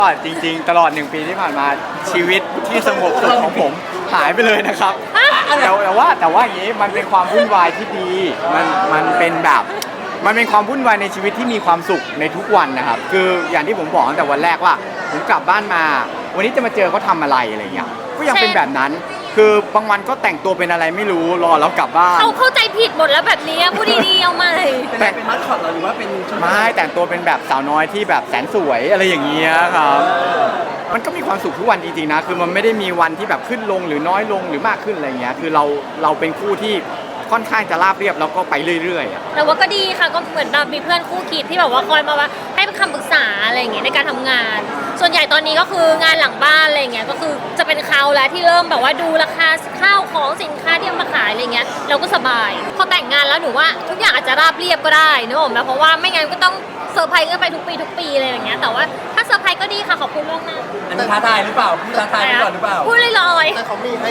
ก็จริงๆตลอด1 ปีที่ผ่านมาชีวิตที่สงบสุขของผมหายไปเลยนะครับแต่ว่าอย่างนี้มันเป็นความวุ่นวายที่ดีมันเป็นแบบมันเป็นความวุ่นวายในชีวิตที่มีความสุขในทุกวันนะครับคืออย่างที่ผมบอกตั้งแต่วันแรกว่าผมกลับบ้านมาวันนี้จะมาเจอเขาทำอะไรอะไรเงี้ยก็ยังเป็นแบบนั้นคือบางวันก็แต่งตัวเป็นอะไรไม่รู้รอแล้วกลับบ้านเขาเข้าใจผิดหมดแล้วแบบนี้พูดดีๆเอาใหม่เป็นมัสคอตหรือว่าเป็นไม่แต่งตัวเป็นแบบสาวน้อยที่แบบแสนสวยอะไรอย่างเงี้ยครับมันก็มีความสุขทุกวันจริงๆนะคือมันไม่ได้มีวันที่แบบขึ้นลงหรือน้อยลงหรือมากขึ้นอะไรเงี้ยคือเราเป็นคู่ที่ค่อนข้างจะราบเรียบแล้วก็ไปเรื่อยๆแต่ว่าก็ดีค่ะก็เหมือนแบบมีเพื่อนคู่คิดที่แบบว่าคอยมาว่าให้คำปรึกษาอะไรอย่างเงี้ยในการทำงานส่วนใหญ่ตอนนี้ก็คืองานหลังบ้านอะไรเงี้ยก็คือจะเป็นเขาแล้วที่เริ่มแบบว่าดูราคาข้าวของสินค้าที่เอามาขายอะไรเงี้ยเราก็สบายพอแต่งงานแล้วหนูว่าทุกอย่างอาจจะราบเรียบก็ได้นึกออกไหมเพราะว่าไม่งั้นก็ต้องเซอร์ไพรส์กันไปทุกปีอะไรอย่างเงี้ยแต่ว่าถ้าเซอร์ไพรส์ก็ดีค่ะขอบคุณล่วงหน้าอันนี้ท้าทายหรือเปล่าท้าทายก่อนหรือเปล่าพูดลอยๆแต่เขามีให้